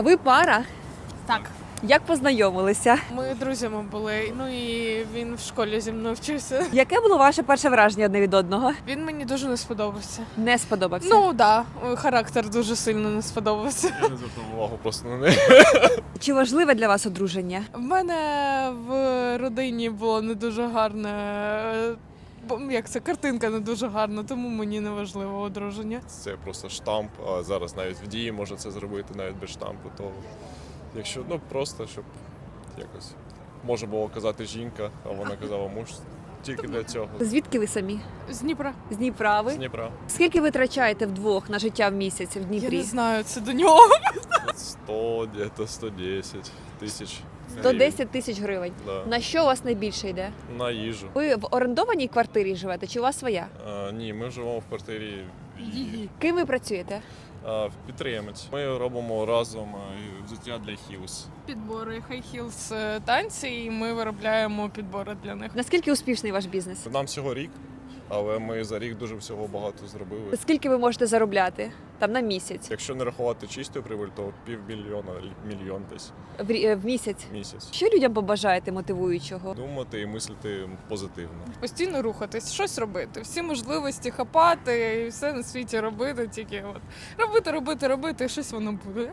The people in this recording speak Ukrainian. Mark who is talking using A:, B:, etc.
A: Ви пара?
B: Так.
A: Як познайомилися?
B: Ми друзями були, ну і він в школі зі мною вчився.
A: Яке було ваше перше враження одне від одного?
B: Він мені дуже не сподобався.
A: Не сподобався?
B: Ну так, характер дуже сильно не сподобався.
C: Я не звертав увагу просто на неї.
A: Чи важливе для вас одруження?
B: В мене в родині було не дуже гарне. Як це, картинка не дуже гарна, тому мені не важливо одруження.
C: Це просто штамп, а зараз навіть в дії можна це зробити навіть без штампу. То якщо просто щоб якось може було казати жінка, а вона казала муж тільки для цього.
A: Звідки ви самі?
B: З Дніпра.
A: З Дніпра ви?
C: З Дніпра.
A: Скільки ви витрачаєте вдвох на життя в місяць в
B: Я
A: Дніпрі?
B: не знаю, це до нього.
C: 100, десь 110 тисяч.
A: 110 тисяч гривень.
C: Да.
A: На що у вас найбільше йде?
C: На їжу.
A: Ви в орендованій квартирі живете чи у вас своя?
C: Ні, ми живемо в квартирі її.
A: Ким ви працюєте?
C: Підприємець. Ми робимо разом взуття для Хілс.
B: Підбори High Heels танці, і ми виробляємо підбори для них.
A: Наскільки успішний ваш бізнес?
C: Нам всього рік, але ми за рік дуже всього багато зробили.
A: Скільки ви можете заробляти там на місяць?
C: Якщо не рахувати чисту прибуль, то півмільйона, мільйон десь
A: В місяць?
C: місяць.
A: Що людям побажаєте мотивуючого?
C: Думати і мислити позитивно.
B: Постійно рухатись, щось робити, всі можливості хапати і все на світі робити, тільки робити, і щось воно буде.